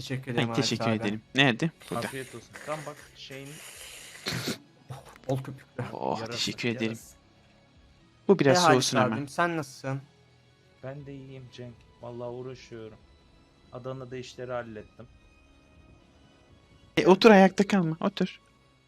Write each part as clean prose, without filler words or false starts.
Teşekkür Ay, ederim teşekkür abi. ederim. Nerede? Burada. Afiyet olsun. Tam bak şeyin Bol köpüklü. Oh, yarası, teşekkür ederim. yarası. Bu biraz Halis soğusun ama. abim, sen nasılsın? Ben de iyiyim Cenk. Vallahi uğraşıyorum. Adana'da işleri hallettim. Otur, ayakta kalma. Otur.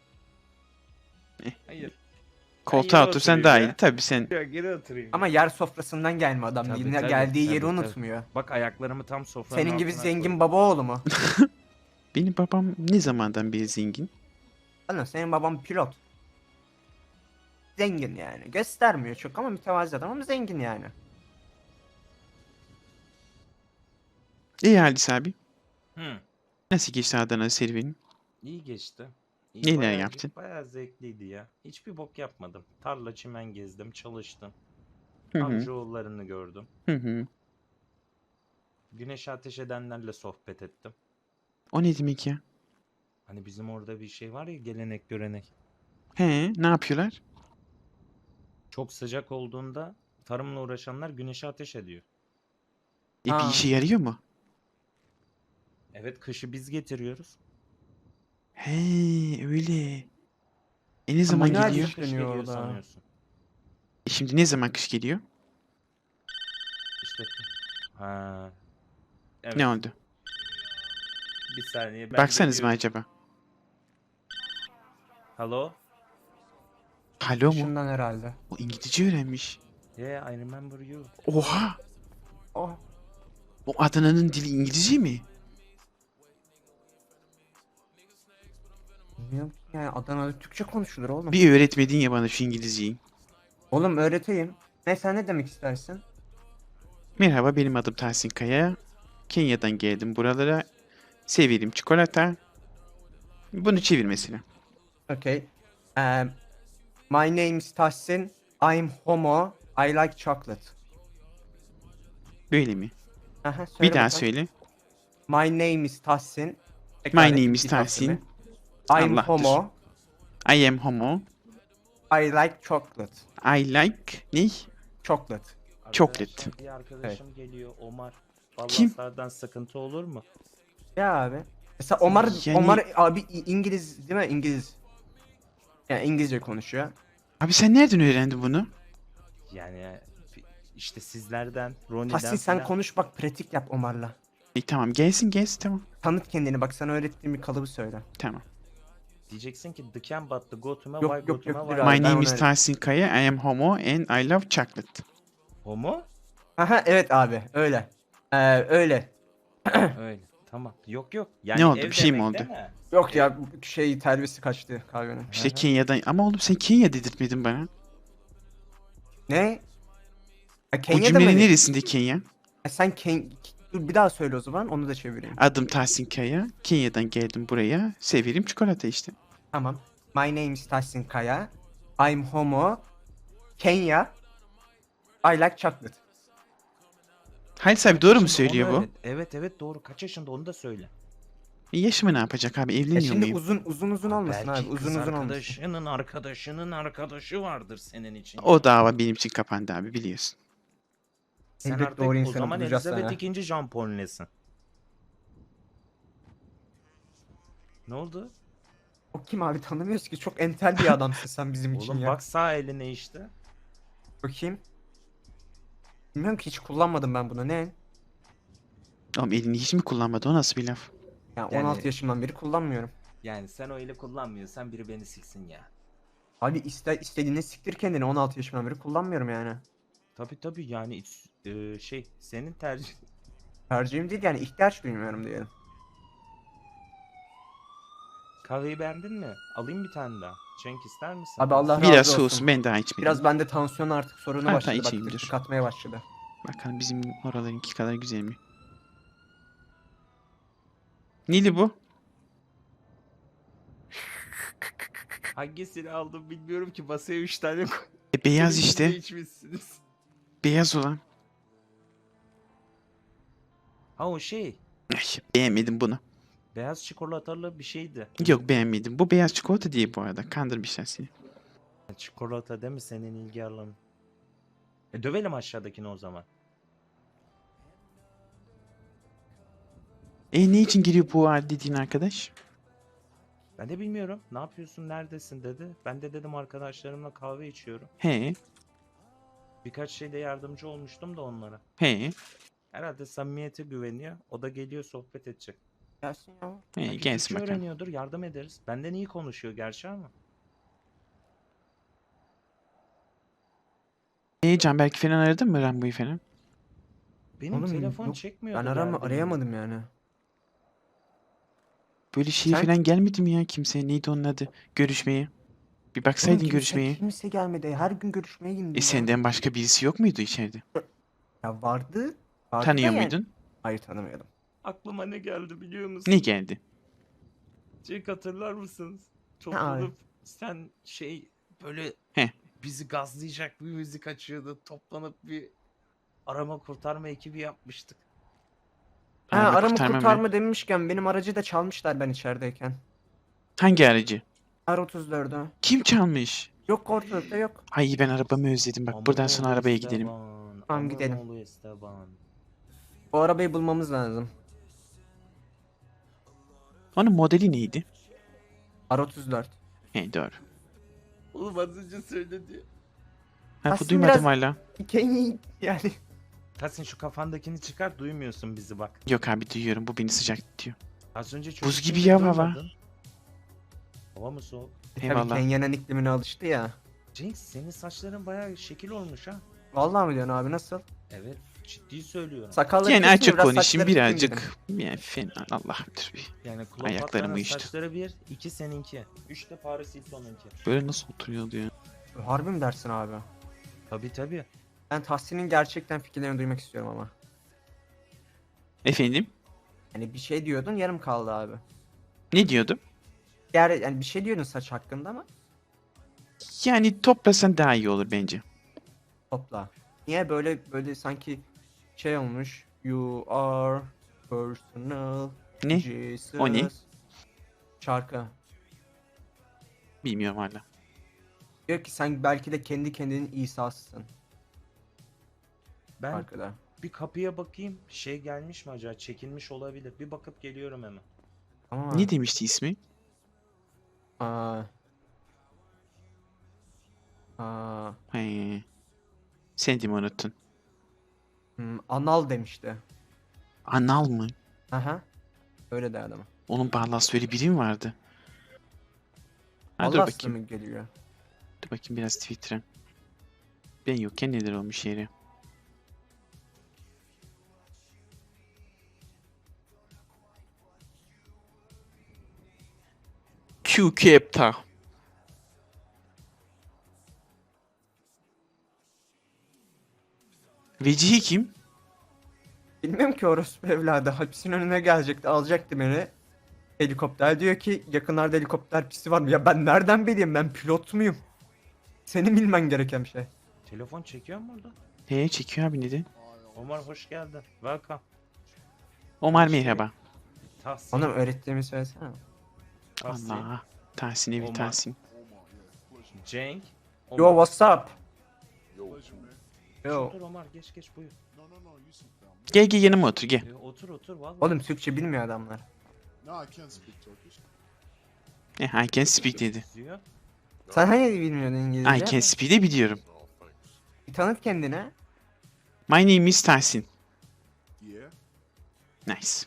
Hayır. Koltuğa yere otursan oturayım daha ya. iyi. Tabii sen. Ya geri oturayım. Ama yer sofrasından gelme adam. Tabii, Yine tabii, geldiği tabii, yeri tabii. unutmuyor. Bak ayaklarımı tam sofranın Senin gibi altına zengin koydum. baba oğlu mu? Benim babam ne zamandan beri zengin? Anam, senin baban pilot. Zengin yani. Göstermiyor çok ama mütevazi adam ama zengin yani. İyi Halis abi. Hı. Nasıl geçti Adana serüvenin? İyi geçti. Neler Bayağı- yaptın? Bayağı zevkliydi ya. Hiçbir bok yapmadım. Tarla çimen gezdim, çalıştım. Hı hı. Amcaoğullarını gördüm. Hı hı. Güneşe ateş edenlerle sohbet ettim. O ne demek ya? Hani bizim orada bir şey var ya, gelenek görenek. He, ne yapıyorlar? Çok sıcak olduğunda tarımla uğraşanlar güneşe ateş ediyor. Bir Aa. işe yarıyor mu? Evet, kışı biz getiriyoruz. He, öyle. Ne zaman manuel geliyor? iş- Kış dönüyor geliyor orada. sanıyorsun. Şimdi ne zaman kış geliyor? İşte ha. Evet. Ne oldu? Bir saniye ben Baksanız mı geliyorum. acaba? Hello? Alo mu? Şundan herhalde. O İngilizce öğrenmiş. Yeah, I remember you. Oha! Oh. O Adana'nın dili İngilizce mi? Bilmiyorum ki yani, Adana'da Türkçe konuşulur oğlum. Bir öğretmedin ya bana şu İngilizceyi. Oğlum öğreteyim. Ne, sen ne demek istersin? Merhaba, benim adım Tahsin Kaya. Kenya'dan geldim buralara. Severim çikolata. Bunu çevir mesela. Okay. My name is Tahsin. I'm homo. I like chocolate. Böyle mi? Aha, söyle Bir daha bakalım. söyle. My name is Tahsin. My Tekrar name edeyim is bir Tahsin. tanesini. I'm Allah'tır. homo. I am homo. I like chocolate. I like ne? Chocolate. Chocolate. Arkadaşlar, bir arkadaşım geliyor, Omar. Kim? Ballaslardan sıkıntı olur mu? Ya abi. Mesela Omar, Yani- Omar abi İngiliz değil mi? İngiliz. Yani İngilizce konuşuyor. Abi sen nereden öğrendin bunu? Yani işte sizlerden, Ronnie'den Tahsin sen falan. konuş bak, pratik yap Omar'la. Tamam, gelsin tamam. Tanıt kendini, bak sana öğrettiğim bir kalıbı söyle. Tamam. Diyeceksin ki the can but the go to me, Yok, why yok, go to yok, me, dur why abi, My ben name onu is öyle- Tahsin Kaya. I am homo and I love chocolate. Homo? Aha, evet abi öyle. Öyle. Öyle. Tamam. Yok yok. Yani Ne oldu? ev Bir şey mi demek oldu? değil mi? Yok ya, bu şey terbiyesi kaçtı kahvenin. İşte Aha. Kenya'dan. Ama oğlum sen Kenya dedirtmedin bana. Ne? Ha, O Kenya'da cümlenin mı? neresinde Kenya? Sen dur bir daha söyle o zaman, onu da çevireyim. Adım Tahsin Kaya. Kenya'dan geldim buraya. Severim çikolata işte. Tamam. My name is Tahsin Kaya. I'm homo. Kenya. I like chocolate. Halis abi Kaç doğru mu yaşında söylüyor onu bu? öğret. Evet evet doğru. Kaç yaşında onu da söyle. Yaşımı ne yapacak abi? Ya Evleniyor şimdi muyum? uzun olmasın Belki abi. Uzun kız olmasın. arkadaşının arkadaşının arkadaşı vardır senin için. O dava benim için kapandı abi, biliyorsun. Sen Elbet artık doğru o insanı zaman bulacağız Elizabeth sana. II. Jean Paul'lesin. Ne oldu? O kim abi, tanımıyoruz ki. Çok entel bir adamsın sen bizim için Oğlum ya. bak sağ eline işte. Bakayım. Bilmiyorum ki, hiç kullanmadım ben bunu. Ne? Oğlum elini hiç mi kullanmadı? O nasıl bir laf? Ya Yani- 16 yaşımdan beri kullanmıyorum. Yani sen o eli kullanmıyorsan biri beni siksin ya. Abi istediğini siktir kendini, 16 yaşımdan beri kullanmıyorum yani. Tabi yani şey senin tercih. Tercihim değil yani, ihtiyaç duymuyorum diyelim. Kahveyi beğendin mi? Alayım bir tane daha. Cenk ister misin? Abi Allah razı Biraz olsun. soğusun, ben daha içmedim. Biraz bende tansiyon artık sorunu Ha, başladı. Bak içeyim, tık dur. tık atmaya başladı. Bakalım bizim oralarınki kadar güzel mi? Neli bu? Hangisini aldım bilmiyorum ki, masaya 3 tane koy. Beyaz İkiniz de işte. içmişsiniz. Beyaz olan. Ha o şey. Ay, beğenmedim bunu. Beyaz çikolatalı bir şeydi. Yok, beğenmedim. Bu beyaz çikolata değil bu arada. Kandırmışlar seni. Çikolata değil mi senin ilgi alanın? Dövelim aşağıdakini o zaman. Ne için giriyor bu dediğin arkadaş? Ben de bilmiyorum. Ne yapıyorsun, neredesin dedi. Ben de dedim arkadaşlarımla kahve içiyorum. He. Birkaç şeyde yardımcı olmuştum da onlara. He. Herhalde samimiyete güveniyor. O da geliyor sohbet edecek. Gelsin ya. He Belki gelsin Türkçe bakalım. öğreniyordur, yardım ederiz. Benden iyi konuşuyor gerçi ama. Canberk falan aradın mı Rambo'yu falan? Benim Oğlum telefon yok. çekmiyordu Ben geldiğimde. arayamadım yani. Böyle şey Sen- falan gelmedi mi ya kimse? Neydi onun adı? Görüşmeye. Bir Oğlum baksaydın görüşmeye. kimse gelmedi. Her gün görüşmeye indim ya. Senden başka birisi yok muydu içeride? Ya vardı. Vardı da Tanıyor yani. muydun? Hayır tanımıyordum. Aklıma ne geldi biliyor musun? Ne geldi? Cenk hatırlar mısınız? abi? Toplanıp sen böyle He. bizi gazlayacak bir müzik açıyordu. Toplanıp bir arama kurtarma ekibi yapmıştık. Ha, Arama arama kurtarma mı? kurtarma demişken benim aracı da çalmışlar ben içerideyken. Hangi aracı? R34'ü. Kim çalmış? Yok ortalıkta yok. Ay ben arabamı özledim. Bak buradan sonra Amanoğlu arabaya gidelim. Esteban, Tamam, gidelim. Amanoğlu Esteban. O arabayı bulmamız lazım. Onun modeli neydi? R34. He doğru. Oğlum az önce söyledi. Ha bu Aslında duymadım biraz- hala. Hikayeyi yani. Tahsin şu kafandakini çıkar, duymuyorsun bizi bak. Yok abi duyuyorum. Bu beni sıcak tutuyor. Az önce Buz çocuk gibi dedi, ya hava. duymadın. Hava mı soğuk? Tabii Eyvallah. Kenya'nın iklimine alıştı ya. Cenk senin saçların bayağı şekil olmuş ha. Vallahi mi diyorsun abi nasıl? Evet, ciddi söylüyorum. Sakalları Yani keseyim, açık biraz konuşayım saçları dökeyim dedim. birazcık. Yani fena Allah bilir. Yani Ayaklarım Kleopatra'nın uyuştu. saçları 1, 2 seninki. 3 de Paris Hilton'unki. Böyle nasıl oturuyordu ya? Harbi mi dersin abi? Tabii. Ben Tahsin'in gerçekten fikirlerini duymak istiyorum ama. Efendim? Hani bir şey diyordun yarım kaldı abi. Ne diyordum? Yani bir şey diyordun saç hakkında ama Yani toplasan daha iyi olur bence. topla. Niye böyle sanki şey olmuş. You are personal Ne? Jesus. O ne? Şarkı. Bilmiyorum hala. Diyor ki sen belki de kendi kendinin İsa'sısın Ben şarkıda. bir kapıya bakayım. Şey gelmiş mi acaba? Çekilmiş olabilir. Bir bakıp geliyorum hemen. Ama Ne demişti ismi? Aa. Aa. He. Sen de mi unuttun? Anal demişti. Anal mı? Aha. Öyle derdi ama. Onun bağlası öyle biri mi vardı? Ha, dur Allah bakayım. mı geliyor? Dur bakayım biraz Twitter'a. Ben yokken neler olmuş yeri. Q-Capta. Vecihi kim? Bilmiyorum ki orospu evladı. Hapisin önüne gelecekti. Alacaktı beni. Helikopter diyor ki yakınlarda helikopter pisti var mı? Ya ben nereden bileyim? Ben pilot muyum? Senin bilmen gereken bir şey. Telefon çekiyor mu burada? Çekiyor abi neden? Omar hoş geldin. Welcome. Omar Şey- merhaba. Tahsin. Ona öğrettiğimi söylesene. Tahsin. Allah. Tahsin evi Omar. Tahsin. Cenk. Yo Omar. what's up? Yo. Otur Omar, geç buyur. Gel yanıma otur gel. Otur vallahi. Oğlum Türkçe bilmiyor adamlar. No, I can't speak Turkish. I can speak dedi. Diyor. Sen hani bilmiyordun İngilizce? I can speak de biliyorum. Bir tanıt kendine. My name is Tahsin. Yeah. Nice.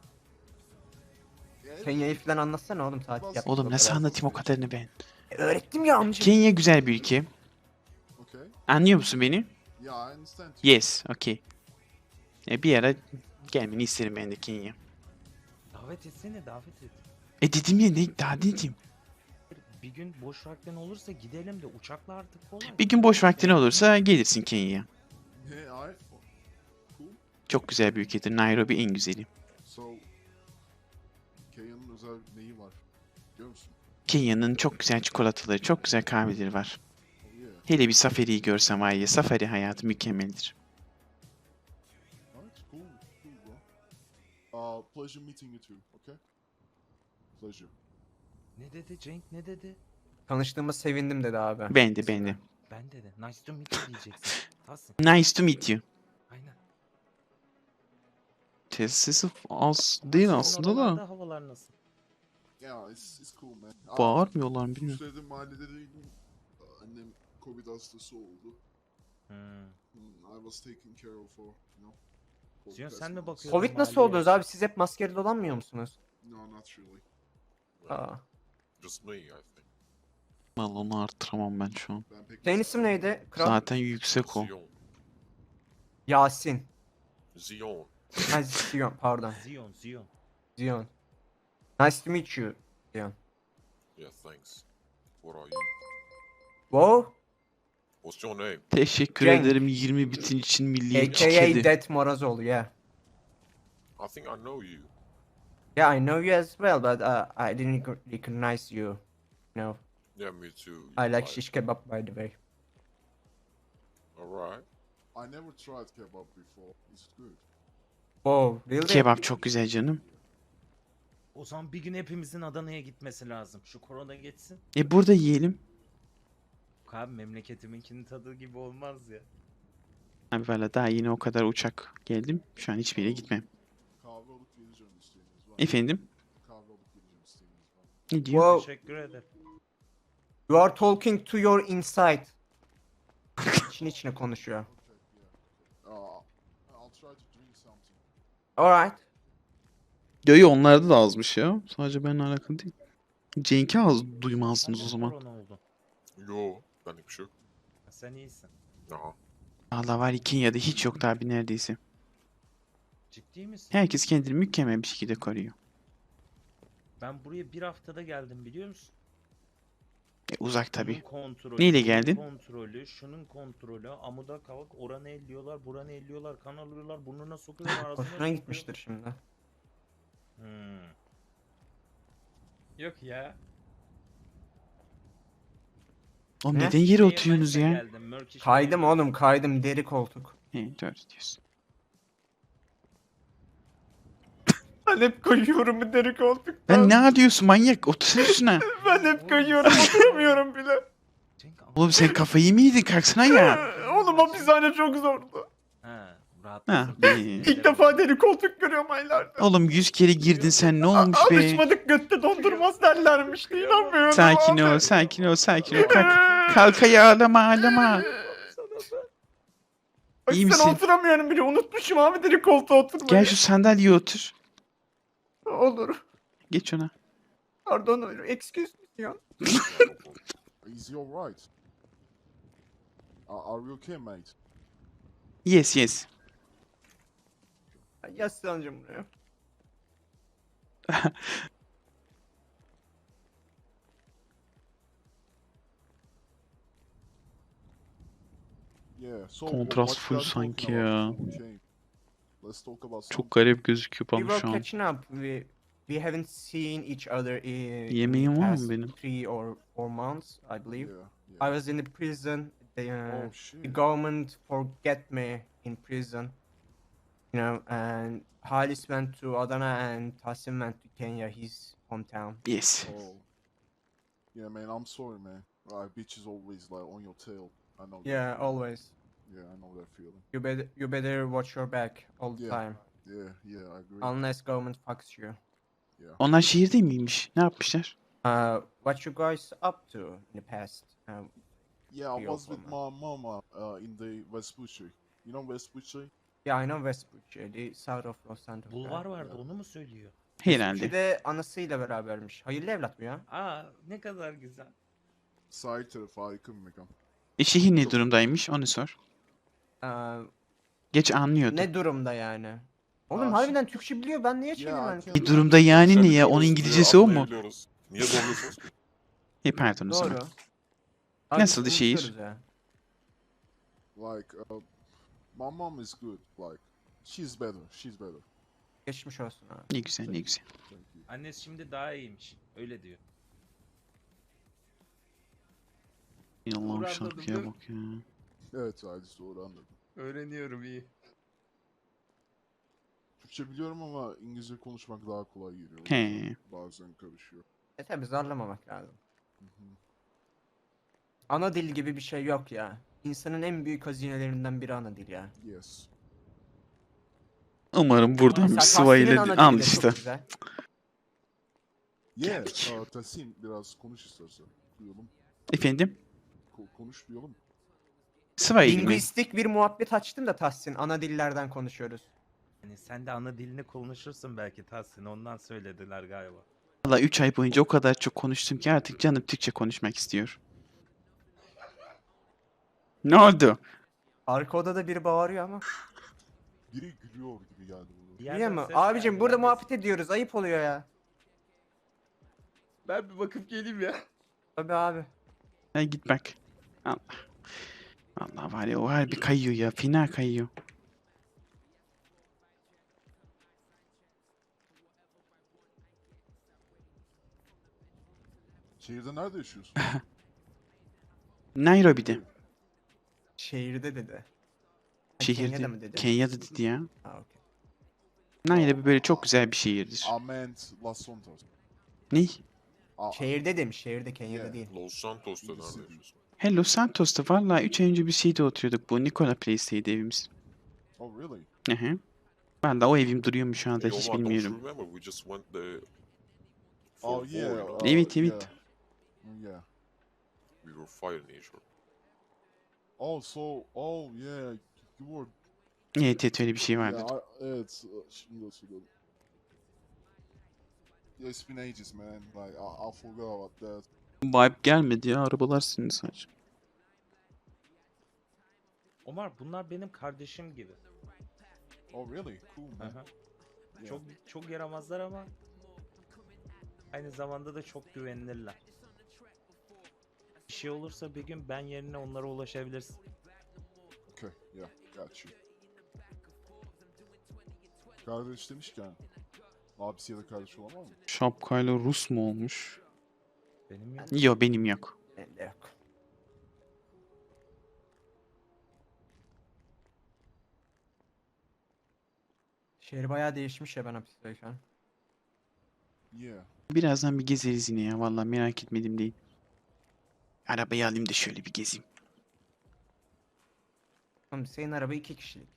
Kenya'yı falan anlatsana oğlum tatil yaptık. Oğlum o nasıl kadar. anlatayım o kadarını ben? Öğrettim ya amca. Kenya güzel bir ülke. Okay. Anlıyor musun beni? Yeah, I understand. Yes, okay. Bir ara gelmeni isterim ben de Kenya. Davet etsene, davet et. Dedim ya ne daha dedim. Bir gün boş vaktin olursa gidelim de uçakla artık kolay. Bir gün boş vaktin olursa gelirsin Kenya'ya. Yeah, alright. Cool. Çok güzel bir ülkedir. Nairobi en güzeli. So, Kenya'nın özel neyi var? Biliyor musun? Kenya'nın çok güzel çikolataları, çok güzel kahveleri var. Oh yeah. Hele bir safariyi görsem var ya, safari hayatı mükemmeldir. Alright, cool, bro. Pleasure meeting you too, okay? Pleasure. Ne dedi Cenk, ne dedi? Tanıştığıma sevindim dedi abi. Ben de. Ben dedi. Nice to meet you diyeceksin. Tahsin. Nice to meet you. Aynen. Tesisi az değil Senin aslında oralarda da. havalar nasıl? Yeah, it's cool man. Bağırmıyorlar mı Bu bilmiyorum. sürede mahallede değildim. Annem Covid hastası oldu. Hmm. I was taken care of for, you know. for Ziyon, past sen mi months. bakıyordun? Covid nasıl mahalleye? oldunuz abi? Siz hep maskeli dolanmıyor musunuz? No, not really. Aa. Just me, I think. Vallahi onu arttıramam ben şu an. Ben pek Senin maske isim neydi? Kral? Zaten yüksek o. Zion. Yasin. Zion. Ha, Zion pardon. Ziyon, Ziyon. Zion. Nice to meet you. Zion. Yeah, thanks. What are you? Wow. What's your name? Teşekkür Cenk. ederim 20 bitin için milliyetçi AKA kedi. Death Morazoğlu, yeah. I think I know you. Yeah, I know you as well, but I didn't recognize you. No. Yeah, me too. I like shish kebab, by the way. Alright. I never tried kebab before. It's good. Wow, really? Kebap çok güzel canım. O zaman bir gün hepimizin Adana'ya gitmesi lazım. Şu korona geçsin. Burada yiyelim. Abi memleketiminkinin tadı gibi olmaz ya. Abi valla daha yine o kadar uçak geldim. Şu an hiçbir yere gitmem. Kahve alıp geleceğim isteğiniz var mı? Efendim? Kahve alıp geleceğim isteğiniz var mı? Ne diyor? Wow, Teşekkür ederim. you are talking to your inside. İçin içine konuşuyor. Okay, yeah. I'll try to drink something. Alright. Yo onlarda da azmış ya. Sadece benimle alakalı değil. Cenk'i az duymazdınız o Sende zaman. korona oldu. Yo, benlik bir şey yok. Sen iyisin. Aha. Valla var Kenya'da hiç yoktu abi neredeyse. Ciddi misin? Herkes kendini mükemmel bir şekilde koruyor. Ben buraya bir haftada geldim biliyor musun? Uzak tabi. Şunun kontrolü, Neyle bunun geldin? kontrolü, şunun kontrolü, amuda kavak, oranı elliyorlar, buranı elliyorlar, kan alıyorlar, burnuna sokuyorlar, ağzına Hoşuna sokuyor. gitmiştir şimdi. Hmm. Yok ya. Oğlum Ne? neden yere Şeye oturuyorsunuz Mayıs'a ya? geldim, Murkish Kaydım Mayıs'a. oğlum, kaydım, deri koltuk. He doğru diyorsun. Ben hep kayıyorum bu deri koltuktan. Ben ne yapıyorsun manyak? Otursana üstüne. Ben hep kayıyorum, oturamıyorum bile. Cenk, Oğlum sen kafayı mı yedin? Kalksana ya. Oğlum hapishane çok zordu. Ha, Ha, rahatlasın. be. İlk defa deri koltuk görüyorum aylarda. Oğlum 100 kere girdin sen ne olmuş be? Alışmadık, götte dondurmaz derlermişti, inanmıyorum. Sakin abi. ol, sakin ol, sakin ol. Kalk, kalk ayağa ağlama, ağlama. Bak İyi sen misin? oturamıyorum bile, unutmuşum abi deri koltuğa oturmayı. Gel şu sandalyeye otur. Olur. Geç ona. Pardon, excuse me ya. Is he alright? Are you okay, mate? Yes, yes. Yaslanacağım buraya. Yeah. So Kontrast what full we are talking sanki about ya. before we came? Let's talk about Çok something. garip gözüküyor We bana were şu an. catching up. We haven't seen each other in Yemeğim the var mı past benim? 3 or 4 months, I believe. Yeah. I Yeah. was in the prison. The Oh the shit. government forget me in prison. You know, and Halis went to Adana and Tasim went to Kenya, his hometown. Yes. Oh. Yeah, man. I'm sorry, man. Bitch is always like on your tail. I know. that Yeah, feeling. always. Yeah, I know that feeling. You better watch your back all the Yeah. time, Yeah, I agree. unless government fucks you. Onlar şehirde miymiş? Ne yapmışlar? What you guys up to in the past? Yeah, I Your was with woman. my mama in the Vespucci. You know Vespucci? Yeah, I know Vespucci, the south of Los Santos. Bulvar vardı, onu mu söylüyor? Herhalde. Vespucci de anasıyla berabermiş. Hayırlı evlat bu ya. Aa, ne kadar güzel. Sahil tarafı harika bir mekan. Şehir ne durumdaymış? Onu sor. Ee, Geç anlıyordu. ne durumda yani? Oğlum Aa, harbiden Türkçe biliyor. Ben niye Ya, çevirmem? hakem- Ne durumda yani Sen ne ya? Onun biliyoruz, İngilizcesi o mu? anlayabiliyoruz. Niye zorluyorsunuz ki? Pardon o zaman. Doğru. Nasıldı Abi, şehir? unutuyoruz ya. Like, my mom is good. Like, she's better. She's better. Geçmiş olsun abi. Ne güzel ne güzel. Thank you. Annesi şimdi daha iyiymiş. Öyle diyor. Allah'ım Uğradım, şarkıya değil mi? bak ya. Evet, Halis doğru anladım. Öğreniyorum iyi. Türkçe biliyorum ama İngilizce konuşmak daha kolay geliyor. He. Bazen karışıyor. Tabi zorlamamak lazım. Hı hı. Ana dil gibi bir şey yok ya. İnsanın en büyük hazinelerinden biri ana dil ya. Yes. Umarım buradan bir Mesela sıva ile Tahsin'in ana al dili de çok işte. güzel. Yeah, Geldik. Tahsin biraz konuş istersen. Duyalım. Efendim? Konuş duyalım. Sıva ile mi? Lingüistik bir muhabbet açtım da Tahsin. Ana dillerden konuşuyoruz. Hani sen de ana dilini konuşursun belki Tahsin, ondan söylediler galiba. Valla 3 ay boyunca o kadar çok konuştum ki artık canım Türkçe konuşmak istiyor. Ne oldu? Arka odada biri bağırıyor ama. Biri gülüyor gibi geldi bana. Bir yerden Biliyor musun? ses Abicim geldi, burada ben de- muhabbet ediyoruz. Ayıp oluyor ya. Ben bir bakıp geleyim ya. Tabii abi. Hadi git bak. Allah. Allah var ya o harbi kayıyor ya. Fena kayıyor. Şehirde nerede yaşıyorsun? Nairobi'de. Şehirde dedi. Ha, Şehirde. Kenya'da mı dedi? Kenya'da dedi ya. Ha, okey. Nairobi böyle çok güzel bir şehirdir. Ament Los Santos. Ne? Şehirde demiş. Şehirde Kenya'da Yeah. değil. Los Santos'ta nerede Birisi yaşıyorsun? Hello Santos'ta valla 3 ay önce bir şeyde oturuyorduk. Bu Nikola Place'teydi evimiz. Oh really? Hı hı. Valla o evim duruyor mu şu anda Hey, hiç Omar, don't you bilmiyorum. remember we just went there for Oh war, yeah. you know? Evet, yeah. evet. Yeah. We were fighting each other. Oh yeah. You were. Evet evet öyle bir şey vardı. Yeah, evet. Şimdi hatırladım. Yeah, it's been ages, man. Like I forgot about that. Vibe gelmedi ya arabalar senin sadece. Omar, bunlar benim kardeşim gibi. Oh really? Cool, man. Aha. Yeah. Çok yaramazlar ama aynı zamanda da çok güvenilirler. Bir şey olursa bir gün ben yerine onlara ulaşabilirsin. Okay, yeah, got you. Kardeş demişken, abisi ya da kardeş olan var mı? Şapkayla Rus mu olmuş? Benim yok. Yok benim yok. Bende yok. Şehir bayağı değişmiş ya ben hapisteyken. Yeah. Birazdan bir gezeriz yine ya. Vallahi merak etmedim değil. Arabayı alayım da şöyle bir gezeyim. Oğlum senin araba 2 kişilik.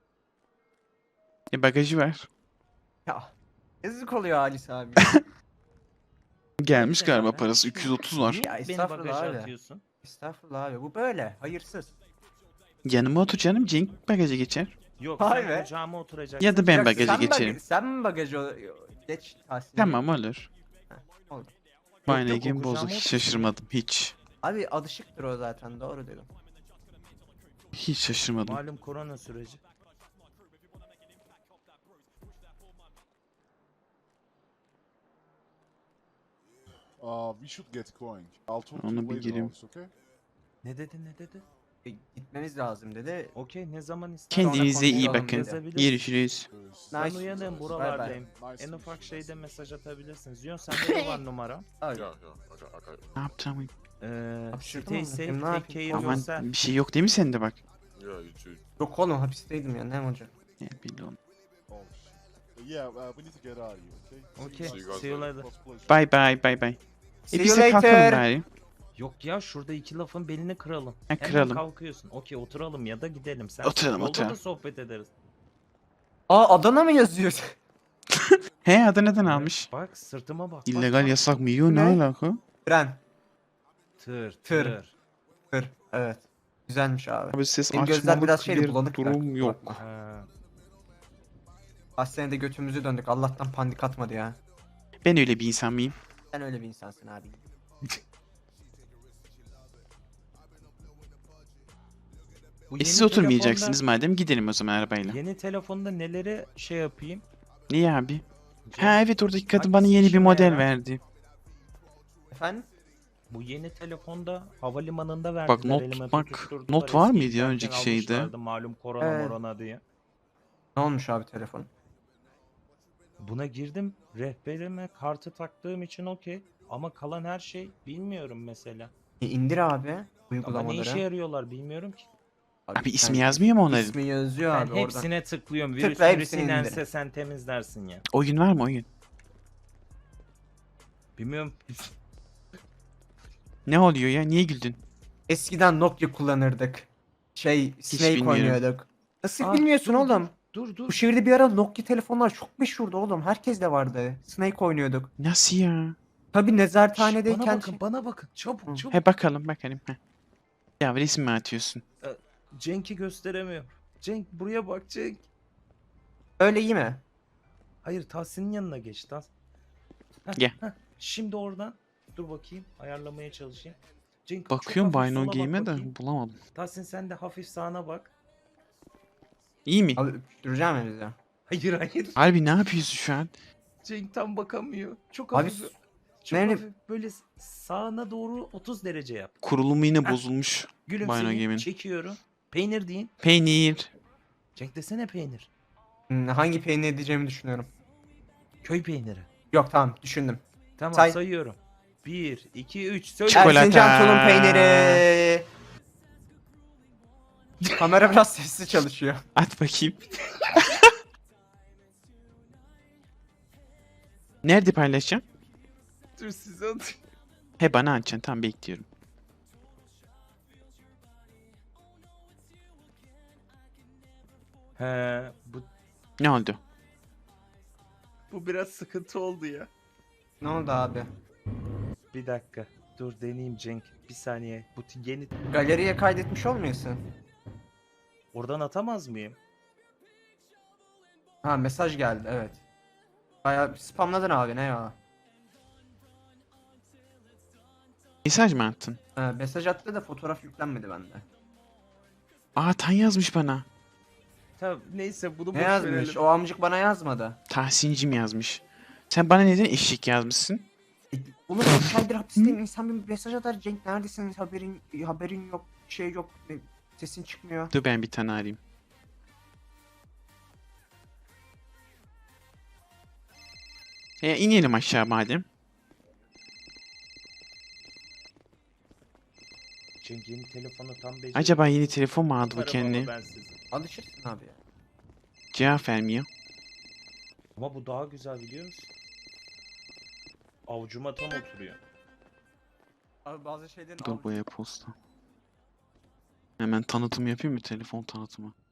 Bagajı var. Ya yazık oluyor Halis abi. Gelmiş Ne galiba var? parası 230 var. Niye Ya beni estağfurullah bagaja abi. atıyorsun? Estağfurullah abi bu böyle hayırsız. Yanıma otur canım Cenk bagaja geçer. Yok, Vay sen be. kucağıma oturacaksın. Ya da ben Yok, bagaja sen geçerim. sen mi bagajı geç Tahsin? Tamam olur. Oldu. Fine yok, o again bozuk kucağıma hiç otursun. şaşırmadım hiç. Abi alışıktır o zaten doğru dedim. Hiç şaşırmadım. Malum korona süreci. We should get going. I'll talk to Onu you bir later, gireyim. Alex, okay? Ne dedi ne dedi? Gitmemiz lazım dedi. Okey, ne zaman istersen. Kendinize iyi konuşalım bakın. yazabiliriz. Görüşürüz. Ben Nice. uyanığım, Bye buralardayım. bye. Nice En to ufak meet you. şeyde mesaj atabilirsin. Ziyon sende de var numara. Abi, Yeah, I got Ne yapacağım? Hapşırdım Stay ama. safe, Ne take yapayım? care Aman, Aman yourself. bir şey yok değil mi sende bak? yeah, you too. yok oğlum hapisteydim ya ne olacak? Ne bileyim. Oh, shit. Yeah, we need to get out of here, okay? Okay, See you guys see you later. later. It was a pleasure. Bye bye bye bye. See biz you de kalkalım later. bari. Yok ya, şurada iki lafın belini kıralım. Ha, Hemen kıralım. kalkıyorsun. Okey, oturalım ya da gidelim. Sen Oturalım, yolda oturalım. da sohbet ederiz. Aa Adana mı yazıyor? He Adana'dan almış. Bak sırtıma bak. İllegal bak. yasak mı yiyor ne Ne? alaka? Tren. Tır Tır. tır. Kır. Evet. Güzelmiş abi. Abi ses Benim gözler açmalık biraz şeydi, bir bulanık durum bırak. yok. Bakma. Ha. Hastanede götümüzü döndük. Allah'tan pandik atmadı ya. Ben öyle bir insan mıyım? Sen öyle bir insansın abi. Bu Siz yeni oturmayacaksınız madem gidelim o zaman arabayla. Yeni telefonda neleri şey yapayım? Niye abi? Ha evet oradaki kadın bana Hangisi yeni bir işime model yarar? verdi. Efendim? Bu yeni telefonda havalimanında verdiler. Bak, not elime tutmak- tutuşturdular. not var Eski mıydı ya giderken önceki şeyde? almışlardı, malum korona Evet. morona diye. Ne olmuş abi telefon? Buna girdim. Rehberime kartı taktığım için okey. Ama kalan her şey bilmiyorum mesela. İndir abi Ama uygulamaları. ne işe yarıyorlar bilmiyorum ki. Abi ismi sen- yazmıyor mu onların? İsmi yazıyor Ben abi oradan. hepsine tıklıyorum. Tıkla, Virüs hepsini inense indirin. sen temizlersin ya. Oyun var mı oyun? Bilmiyorum. Ne oluyor ya? Niye güldün? Eskiden Nokia kullanırdık. Snake bilmiyorum. oynuyorduk. Nasıl Ah, bilmiyorsun dur, oğlum? Dur Bu dur. şehirde bir ara Nokia telefonlar çok meşhurdu oğlum. Herkes de vardı. Snake oynuyorduk. Nasıl ya? Tabii Şş, nezarethanedeyken bana bakın bana bakın. Çabuk Hı. çabuk. He bakalım bakalım. He. Ya resim mi atıyorsun? Cenk'i gösteremiyorum. Cenk buraya bak Cenk. öyle iyi mi? Hayır Tahsin'in yanına geç Tahsin. Heh, Gel. heh. Şimdi oradan. Dur bakayım ayarlamaya çalışayım. Cenk Bakıyorum çok hafif Bino sola bak Game'e de bakayım. bulamadım. Tahsin sen de hafif sağına bak. İyi mi? Abi öptüreceğim ya bize. Hayır hayır. Harbi ne yapıyorsun şu an? Cenk tam bakamıyor. Çok Abi hafif. Çok nerede- hafif. Böyle sağına doğru 30 derece yap. Kurulumu yine Heh. bozulmuş. Bino Gülümseyin. Game'in. Çekiyorum. Peynir deyin. Peynir. Cenk desene peynir. Hangi peynir edeceğimi düşünüyorum. Köy peyniri. Yok tamam düşündüm. Tamam Say. sayıyorum. 1, 2, 3. Söyle. Çikolata. Erzincan tulum peyniri. Kamera biraz sessiz çalışıyor. At bakayım. Nerede paylaşacağım? Dur size atayım. He bana atacaksın. Tamam bekliyorum. He, Ne oldu? bu biraz sıkıntı oldu ya. Ne oldu abi? Bir dakika. Dur deneyeyim Cenk. Bir saniye. Bu yeni... Galeriye kaydetmiş olmuyorsun. Oradan atamaz mıyım? Ha mesaj geldi evet. Bayağı spamladın abi ne ya. Mesaj mı attın? Mesaj attı da fotoğraf yüklenmedi bende. Aa Tan yazmış bana. Tamam neyse bunu Ne boş yazmış? verelim. O amcık bana yazmadı. Tahsincim yazmış. Sen bana neden eşlik yazmışsın? Oğlum 2 aydır hapisteyim. İnsan bir mesaj atar. Cenk neredesin? Haberin yok. Şey yok. Sesin çıkmıyor. Dur ben bir tane arayayım. İnelim aşağı madem. Cenk yeni telefonu tam beceriyor. Acaba yeni telefon mu aldı bu Arabamı kendine? ben size. Alışırsın abi ya. Cevap vermiyor. Ama bu daha güzel biliyor musun? Avcuma tam oturuyor. Abi bazı şeylerin Dur bu e-posta. Hemen tanıtım yapayım mı? Telefon tanıtımı.